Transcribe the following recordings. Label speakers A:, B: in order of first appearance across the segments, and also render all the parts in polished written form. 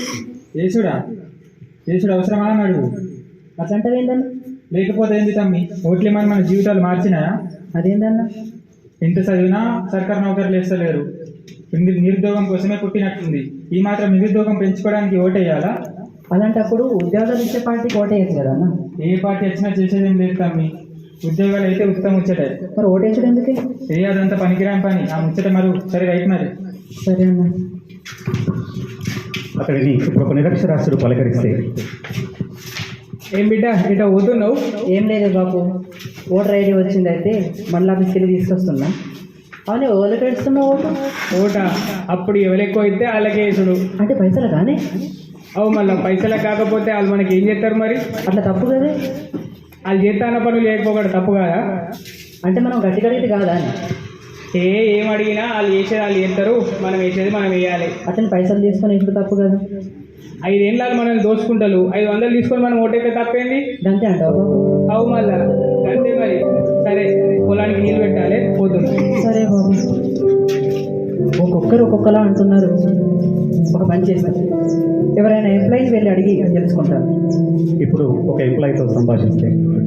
A: చేసుడా చేసుడు అవసరమా అని అడుగు.
B: అట్లాంటివి ఏంటన్నా?
A: లేకపోతే ఏంది తమ్మి, ఓట్లేమని మన జీవితాలు మార్చినాయా?
B: అదేంటన్నా?
A: ఎంత చదివినా సర్కారు నౌకర్లు వేస్తలేరు. నిరుద్యోగం కోసమే పుట్టినట్టుంది. ఈ మాత్రం నిరుద్యోగం పెంచుకోవడానికి ఓటేయాలా?
B: అలాంటప్పుడు ఉద్యోగాలు ఇచ్చే పార్టీకి ఓటేయచ్చు కదా అన్న.
A: ఏ పార్టీ వచ్చినా చేసేదేం లేదు తమ్మి. ఉద్యోగాలు అయితే ఉత్తమ ముచ్చటే.
B: మరి ఓటేసడం ఎందుకే?
A: అదంతా పనికిరాని పని. ఆ ముచ్చట సరే రైట్ మరి.
B: సరే అన్న.
C: అతడిని ఇప్పుడు ఒక నిరక్షరాస్యుడు పలకరిస్తే,
A: ఏం బిడ్డ ఇట్లా పోతున్నావు?
B: ఏం లేదు బాబు, ఓటర్ ఐడి వచ్చింది, అయితే మళ్ళీ ఆఫీస్కి వెళ్ళి తీసుకొస్తున్నా. అవును, ఎవరికి ఇస్తున్నావు ఓటు?
A: ఓట అప్పుడు ఎవరు ఎక్కువ అయితే వాళ్ళకే వేసుడు.
B: అంటే పైసలు కానీ?
A: అవు మళ్ళీ పైసలు కాకపోతే వాళ్ళు మనకి ఏం చేస్తారు మరి?
B: అట్లా తప్పు కదా.
A: వాళ్ళు చేస్తాన పనులు చేయకపోవడం తప్పు కాదా?
B: అంటే మనం గట్టి కడిగితే కాదా అని?
A: ఏం అడిగినా వాళ్ళు చేసేది వాళ్ళు చేస్తారు, మనం వేసేది మనం వేయాలి.
B: అతను పైసలు తీసుకొని ఇప్పుడు తప్పు కదా.
A: 5 ఏళ్ళు మనల్ని దోచుకుంటారు, 500 తీసుకొని మనం ఓటైతే తప్పేంది?
B: అంతే అంటావు బాబు?
A: అవు మళ్ళా అంతే మరి. సరే, పొలానికి నీళ్ళు పెట్టాలి, పోతుంది.
B: సరే బాబు. ఒక్కొక్కరు ఒక్కొక్కలా అంటున్నారు. ఒక పని చేశారు, ఎవరైనా ఎంప్లాయీని వెళ్ళి అడిగి తెలుసుకుంటారు.
C: ఇప్పుడు ఒక ఎంప్లాయీతో సంభాషిస్తే,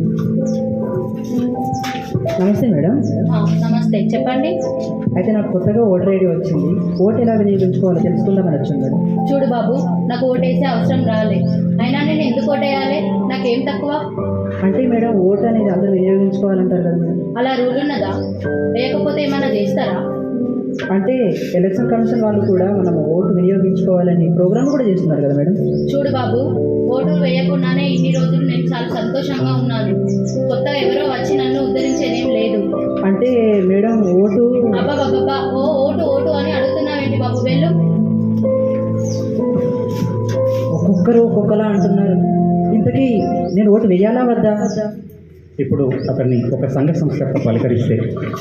B: నమస్తే మేడం.
D: నమస్తే, చెప్పండి.
B: అయితే నాకు కొత్తగా ఓటర్ ఐడి వచ్చింది, ఓటు ఎలా వినియోగించుకోవాలో తెలుసుకుందామని వచ్చింది మేడం.
D: చూడు బాబు, నాకు ఓటేసే అవసరం రాలే, అయినా నేను ఎందుకు ఓటేయాలి? నాకేం తక్కువ?
B: అంటే మేడం, ఓటు అనేది అందరూ వినియోగించుకోవాలంటారు కదా మేడం.
D: అలా రూల్ ఉన్నదా? లేకపోతే ఏమైనా చేస్తారా?
B: అంటే ఎలక్షన్ కమిషన్ వాళ్ళు కూడా మనం ఓటు వినియోగించుకోవాలని ప్రోగ్రామ్ కూడా చేస్తున్నారు కదా మేడం.
D: చూడు బాబు, ఓటు వేయకుండానే ఇన్ని రోజులు నేను చాలా సంతోషంగా ఉన్నాను. కొత్తగా ఎవరో వచ్చి నన్ను ఉద్ధరించేదేం లేదు.
B: అంటే మేడం, ఓటు
D: అబ్బాబ్బా, ఓటు ఓటు అని అడుగుతున్నావేంటి బాబు? వెళ్ళు.
B: ఒక్కొక్కరు ఒక్కొక్కలా అంటున్నారు. ఇంతకీ నేను ఓటు వేయాలా వద్దా?
C: ఇప్పుడు అతన్ని ఒక సంఘ సంస్థతో పలకరిస్తే,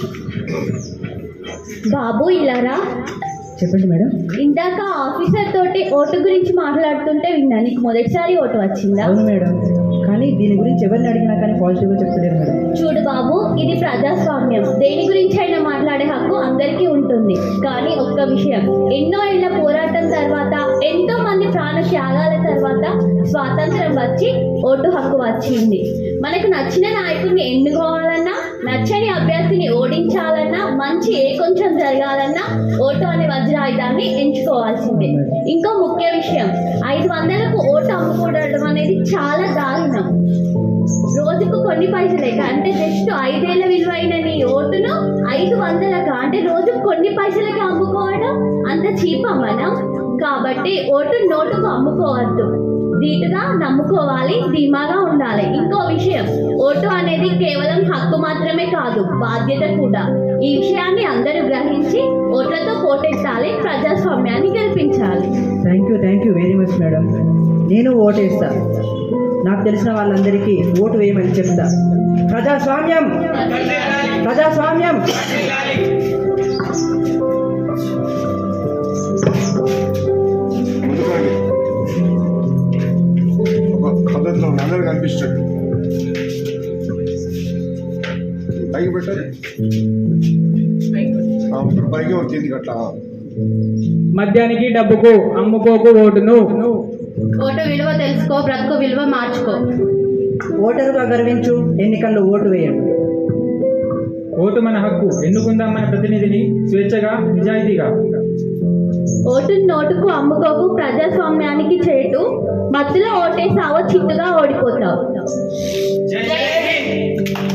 E: బాబు ఇలారా.
B: చెప్పండి మేడం.
E: ఇందాక ఆఫీసర్ తోటి ఓటు గురించి మాట్లాడుతుంటే విన్నా, నీకు మొదటిసారి ఓటు వచ్చిందా?
B: అవును మేడం, కానీ దీని గురించి ఎవరిని అడిగినా కానీ పాజిటివ్గా చెప్తలేరు మేడం.
E: చూడు బాబు, ఇది ప్రజాస్వామ్యం, దేని గురించి అయినా మాట్లాడే హక్కు అందరికీ ఉంటుంది. కానీ ఒక్క విషయం, ఎన్నో ఏళ్ల పోరాటం తర్వాత, ఎంతో మంది ప్రాణ త్యాగాల తర్వాత స్వాతంత్రం వచ్చి ఓటు హక్కు వచ్చింది. మనకు నచ్చిన నాయకుడిని ఎన్నుకోవాలన్నా, నచ్చని అభ్యర్థిని ఓడించాలన్నా, మంచి కొంచెం జరగాలన్నా ఓటు అనే వజ్రాయుధాన్ని ఎంచుకోవాల్సిందే. ఇంకో ముఖ్య విషయం, 500కు ఓటు అమ్ముకోవడం అనేది చాలా దారుణం. రోజుకు కొన్ని పైసలే, అంటే జస్ట్ 5 ఏళ్ల విలువైన నీ ఓటును 500గా, అంటే రోజుకు కొన్ని పైసలకి అమ్ముకోవడం అంత చీపా మనం? కాబట్టి ఓటు నోటుకు అమ్ముకోవద్దు, ధీటుగా నమ్ముకోవాలి, ధీమాగా ఉండాలి. ఇంకో విషయం, ఓటు అనేది కేవలం హక్కు మాత్రమే కాదు, బాధ్యత కూడా. ఈ విషయాన్ని అందరూ గ్రహించి ఓట్లతో పోటెత్తాలి, ప్రజాస్వామ్యాన్ని గెలిపించాలి.
B: Thank you very much madam. నేను ఓటేస్తా, నాకు తెలిసిన వాళ్ళందరికీ ఓటు వేయమని చెప్తా. ప్రజాస్వామ్యం, ప్రజాస్వామ్యం.
F: పద్ధతిలో అందరూ కనిపిస్తాడు. పైకి పెట్టాలి, పైకి వచ్చింది అట్లా.
A: మద్యానికి డబ్బుకు అమ్ముకోకు ఓటును.
D: ఓటు విలువ తెలుసుకో, బ్రతుకు విలువ మార్చుకో.
B: ఓటరుగా గర్వించు, ఎన్నికల్లో ఓటు వేయండి.
A: ఓటు మన హక్కు, ఎన్నుకుందాం మన ప్రతినిధిని స్వేచ్ఛగా, నిజాయితీగా.
E: ఓటు నోటుకు అమ్ముకోకు, ప్రజాస్వామ్యానికి చేటు. మత్తులో ఓటేసావో చిత్తుగా ఓడి